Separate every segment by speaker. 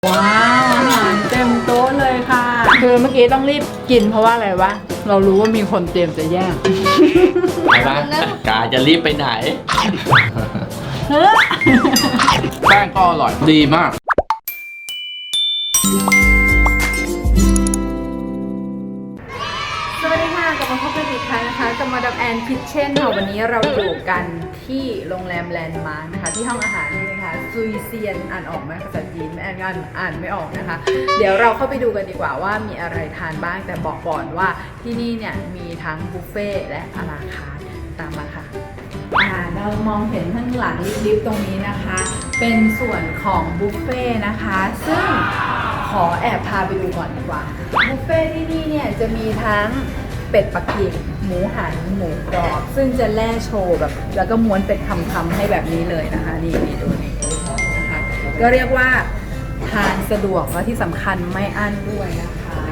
Speaker 1: ว้าวอาหารเต็มโต๊ะเลยค่ะคือเมื่อกี้ต้องรีบกินเพราะว่าอะไรวะเรารู้ว่ามีคนเตรียมจะแย่ง
Speaker 2: ไปบ้างกาจะรีบไปไหนแป้งก็อร่อยดีมาก
Speaker 1: สวัสดีค่ะกลับมาพบกันอีกครั้งนะคะกับมาดามแอนคิทเช่นค่ะวันนี้เราอยู่กันที่โรงแรมแลนด์มาร์คนะคะที่ห้องอาหารนี่นะคะซุยเซียนอ่านออกไหมภาษาจีนแม่อ่านไม่ออกนะคะเดี๋ยวเราเข้าไปดูกันดีกว่าว่ามีอะไรทานบ้างแต่บอกก่อนว่าที่นี่เนี่ยมีทั้งบุฟเฟ่และอาราคาร์ทตามมาค่ะเรามองเห็นข้างหลังลิฟต์ตรงนี้นะคะเป็นส่วนของบุฟเฟ่นะคะซึ่งขอแอบพาไปดูก่อนดีกว่าบุฟเฟ่ที่นี่เนี่ยจะมีทั้งเป็ดปักกิ่งหมูหันหมูกรอบซึ่งจะแล่โชว์แบบแล้วก็ม้วนเป็นคำๆให้แบบนี้เลยนะคะนี่ดูนี่นะคะก็เรียกว่าทานสะดวกและที่สำคัญไม่อั้นด้วยนะคะ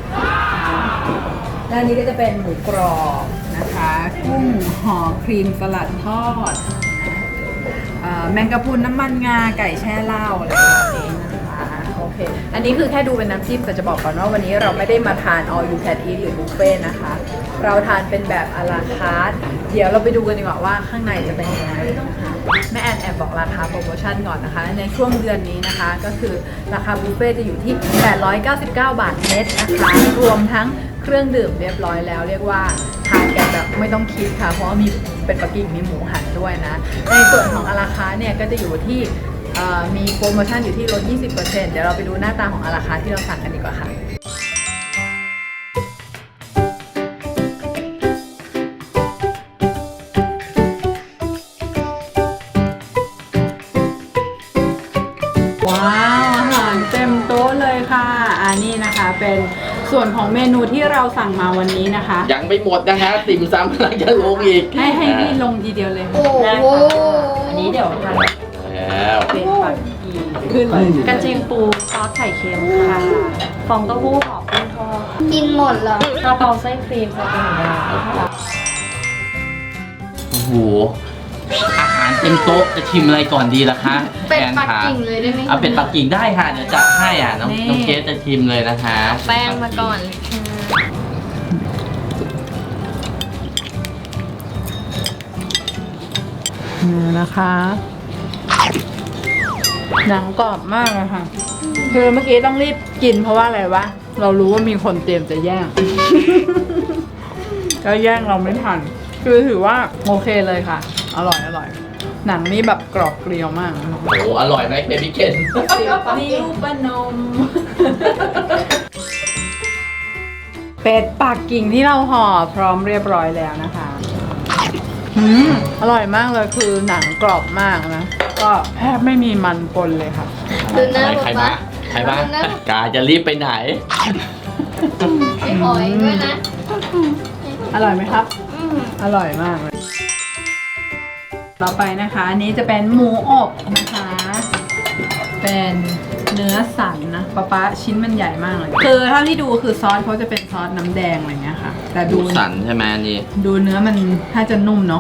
Speaker 1: ด้านนี้ก็จะเป็นหมูกรอบนะคะกุ้งห่อครีมสลัดทอดแมงกะพรุนน้ำมันงาไก่แช่เหล้าอะไรแบบนี้นะคะโอเคอันนี้คือแค่ดูเป็นน้ำจิ้มแต่จะบอกก่อนว่าวันนี้เราไม่ได้มาทาน all you can eat หรือบุฟเฟ่ต์นะคะเราทานเป็นแบบà la carteเดี๋ยวเราไปดูกันดีกว่าว่าข้างในจะเป็นยังไงนะคะแม่แอนแอบบอกราคาโปรโมชั่นก่อนนะคะในช่วงเดือนนี้นะคะก็คือราคาบุฟเฟ่ต์จะอยู่ที่899 บาทเน็ตนะคะรวมทั้งเครื่องดื่มเรียบร้อยแล้วเรียกว่าทานกันแบบไม่ต้องคิดค่ะเพราะว่ามีเป็ดปักกิ่งมีหมูหันด้วยนะในส่วนของอาราคาเนี่ยก็จะอยู่ที่มีโปรโมชั่นอยู่ที่ลด 20% เดี๋ยวเราไปดูหน้าตาของอาราคาที่เราสั่งกันดีกว่าค่ะว้าวอาหารเต็มโต๊ะเลยค่ะอันนี้นะคะเป็นส่วนของเมนูที่เราสั่งมาวันนี้นะคะ
Speaker 2: ยังไม่หมดนะฮะติ่มซำกำลังจะลงอีก
Speaker 1: ให้พี่ลงทีเดียวเลย
Speaker 3: โอ้โห
Speaker 1: อันนี้เดี๋ยวทำ
Speaker 2: แล้ว
Speaker 1: เป็นปักกิ่งขึ้นเลยกระเทียมปูซอสไข่เค็มค่ะฟองเต้าหู้หอมกุ้งทอด
Speaker 3: กินหมดเหรอก
Speaker 1: ระเพราไส้ครีมสเต็กหมูค่ะ
Speaker 2: โอ้โหอาหารเต็มโต๊ะจะชิมอะไรก่อนดีล่ะคะ
Speaker 3: เป็ดปักกิ่งเลยได้ไหม
Speaker 2: เอาเป็ดปักกิ่งได้ค่ะเดี๋ยวจัดให้น้องเกสจะชิมเลยนะคะ
Speaker 3: แป้งมาก่อน
Speaker 1: นี่นะคะหนังกรอบมากเลยค่ะคือเมื่อกี้ต้องรีบกินเพราะว่าอะไรวะเรารู้ว่ามีคนเตรียมจะแย่ง ก็แย่งเราไม่ทันคือถือว่าโอเคเลยค่ะอร่อยหนังนี่แบบกรอบเกลียวมาก
Speaker 2: โอ้โหอร่อยไหมเบบี้เกน
Speaker 1: นิ้วปนม เป็ดปักกิ่งที่เราห่อพร้อมเรียบร้อยแล้วนะคะอร่อยมากเลยคือหนังกรอบมากนะก็แทบไม่มีมันปนเลยค่ะ
Speaker 3: ดูหน้า
Speaker 2: ใครบ้างกาจะรีบไปไหน
Speaker 3: ไม่หอยด้วยนะ
Speaker 1: อร่อยไหมครับอร่อยมากเลยต่อไปนะคะอันนี้จะเป็นหมูอบนะคะเป็นเนื้อสันนะป๊าชิ้นมันใหญ่มากเลยคือเท่าที่ดูคือซอสเขาจะเป็นซอสน้ำแดงอะไรเงี้ยค่ะแต่ดู
Speaker 2: สันใช่ไหมนี่
Speaker 1: ดูเนื้อมันถ้าจะนุ่มเนาะ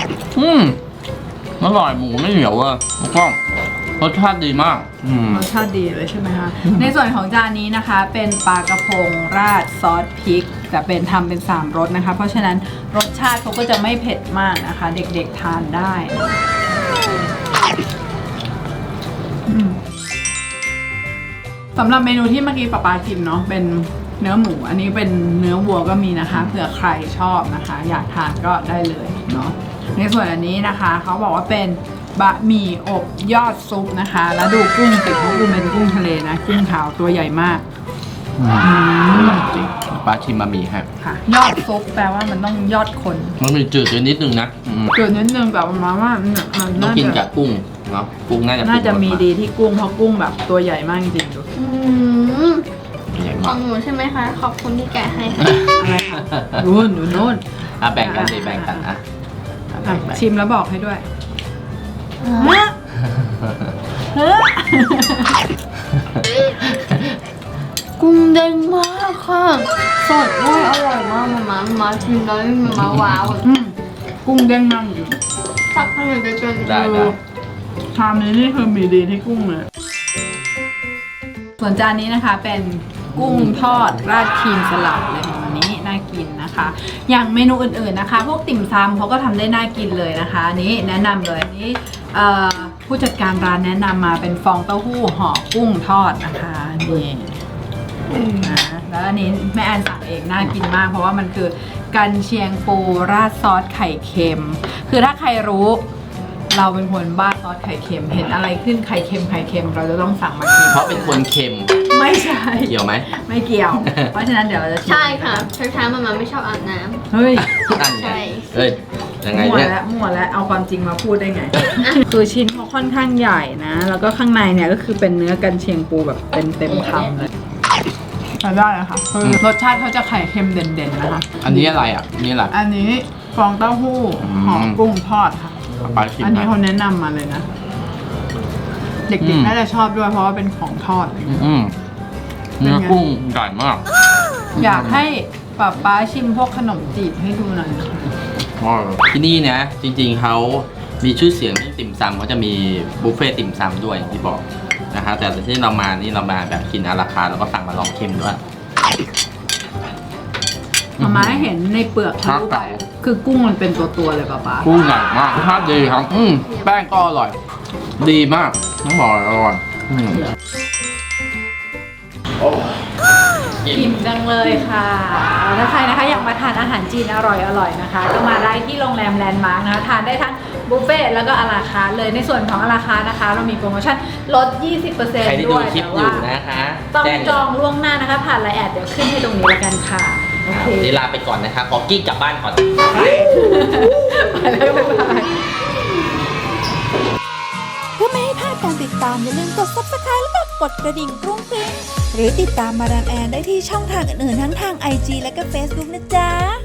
Speaker 2: อร่อยหมูไม่เหนียวอ่ะแล้วก็รสชาติดีมาก
Speaker 1: รสชาติดีเลยใช่ไหมคะในส่วนของจานนี้นะคะเป็นปลากระพงราดซอสพริกแต่เป็นทำเป็น3รสนะคะเพราะฉะนั้นรสชาติเขาก็จะไม่เผ็ดมากนะคะเด็กๆทานได้สำหรับเมนูที่เมื่อกี้ป๊ากินเนาะเป็นเนื้อหมูอันนี้เป็นเนื้อวัวก็มีนะคะเผื่อใครชอบนะคะอยากทานก็ได้เลยเนาะในส่วนอันนี้นะคะเขาบอกว่าเป็นบะหมี่อบยอดซุปนะคะแล้วดูกุ้งติดเขาเป็นกุ้งทะเลนะกุ้งขาวตัวใหญ่มาก
Speaker 2: จริงปลาชิมบะหมี่ครับ
Speaker 1: ค่ะยอดซุปแปลว่ามันต้องยอดคน
Speaker 2: มันมีจืดนิดนึงนะ
Speaker 1: จืดนิดนึงแบบประมาณว่ามัน
Speaker 2: ต้องกินกับกุ้งเนาะกุ้งน่า
Speaker 1: จะมีดีที่กุ้งเพราะกุ้งแบบตัวใหญ่มากจริงๆดู
Speaker 3: ของหนูใช่ไหมคะขอบคุณที่แกะให้
Speaker 1: อะไรคะนู่น
Speaker 2: แบ่งกันแบ่งกัน
Speaker 1: ชิมแล้วบอกให้ด้วย
Speaker 3: กุ้งเด้งมากค่ะสดด้วยอร่อยมากมาชิมแล้วมาว้าว
Speaker 1: กุ้งเด้งมากอยู่
Speaker 3: ตักให้หน่อยได้
Speaker 2: ชาม
Speaker 1: นี้นี่คือมีดีที่กุ้งเลยส่วนจานนี้นะคะเป็นกุ้งทอดราดครีมสลัดเลยวันนี้น่ากินนะคะ อย่างเมนูอื่นๆนะคะ พวกติ่มซำเขาก็ทำได้น่ากินเลยนะคะอันนี้แนะนำเลยอันนี้ผู้จัดการร้านแนะนำมาเป็นฟองเต้าหู้ห่อกุ้งทอดนะคะนี่นะแล้วอันนี้แม่แอนสั่งเองน่ากินมากเพราะว่ามันคือกันเชียงปูราดซอสไข่เค็มคือถ้าใครรู้เราเป็นคนบ้าซอสไข่เค็มเห็นอะไรขึ้นไข่เค็มเราจะต้องสั่งมากิน
Speaker 2: เพราะเป็นคนเค็ม
Speaker 1: ไม่ใช่
Speaker 2: เกี่ยวไหม
Speaker 1: ไม่เกี่ยว เพราะฉะนั้นเดี๋ยวเราจะชิม
Speaker 3: ใช่ค่ะเช้าๆมาไม่ชอบอาบน้
Speaker 1: เฮ้ย
Speaker 2: นั่นไง
Speaker 3: ใช่
Speaker 2: เอ้ยยังไง
Speaker 1: มั่ว
Speaker 2: เนี่ย
Speaker 1: แล้วมั่วแล้วเอาความจริงมาพูดได้ไง คือชิ้นเขาค่อนข้างใหญ่นะ แล้วก็ข้างในเนี่ยก็คือเป็นเนื้อกันเชียงปูแบบเต็มคำเลยใช้ได้เลยค่ะคือรสชาติเขาจะไข่เค็มเด่นๆนะคะ
Speaker 2: อันนี้อะไรอ่ะนี่อะไร
Speaker 1: อันนี้ฟองเต้าหู้ห่อกุ้งทอดค่ะ
Speaker 2: เอาไปชิม
Speaker 1: อันนี้
Speaker 2: นะ
Speaker 1: เขาแนะนำมาเลยนะ เด็กๆน่าจะชอบด้วยเพราะว่าเป็นของทอด
Speaker 2: อืมเนื้อกุ้งใหญ่มาก
Speaker 1: อยากให้ป๊าชิมพวกขนมจีบให้ดูหน่อยนะคะ
Speaker 2: ที่นี่นะจริงๆเขามีชื่อเสียงเรื่องติ่มซำเขาจะมีบุฟเฟ่ต์ติ่มซำด้วยอย่างที่บอกนะคะแต่ที่เรามานี่เรามาแบบกินอาราคาร์ทแล้วก็สั่งมาลองเค็มด้วย
Speaker 1: มาม่าเห็นในเปลือกทะลุไปคือกุ้งมันเป็นตัวๆเลยป๊า
Speaker 2: กุ้งใหญ่มากรสชาติดีครับแป้งก็อร่อย ดีมากต้องบอกอร่อย
Speaker 1: อิ่มจังเลยค่ะถ้าใครนะคะอยากมาทานอาหารจีนอร่อยๆนะคะ ก็มาได้ที่โรงแรมแลนด์มาร์กนะคะทานได้ทั้งบุฟเฟ่ต์แล้วก็อาราคาร์ทเลยในส่วนของอาราคาร์ทนะคะ เรามีโปรโมชั่นลด 20%
Speaker 2: ใครที่ดู
Speaker 1: ด้วย
Speaker 2: คลิป
Speaker 1: แต่
Speaker 2: อ
Speaker 1: ว่า
Speaker 2: ยู่นะคะ
Speaker 1: ต้อง
Speaker 2: แจ้ง
Speaker 1: จองล่วงหน้านะคะ ผ่านไลน์แอดเดี๋ยวขึ้นให้ตรงนี้แล้วกันค่ะโอเค
Speaker 2: เดี๋ยวลาไปก่อนนะคะขอกี้กลับบ้านก่อน
Speaker 1: ไปแล้วบ๊ายบาย
Speaker 4: เพื่อไม่ให้พลาดการติดตามอย่าลืมกด Subscribe แล้วก็กดกระดิ่งกรุ้งกริ้งหรือติดตามมาดามแอนได้ที่ช่องทางอื่นๆทั้งทาง IG และก็ Facebook นะจ๊ะ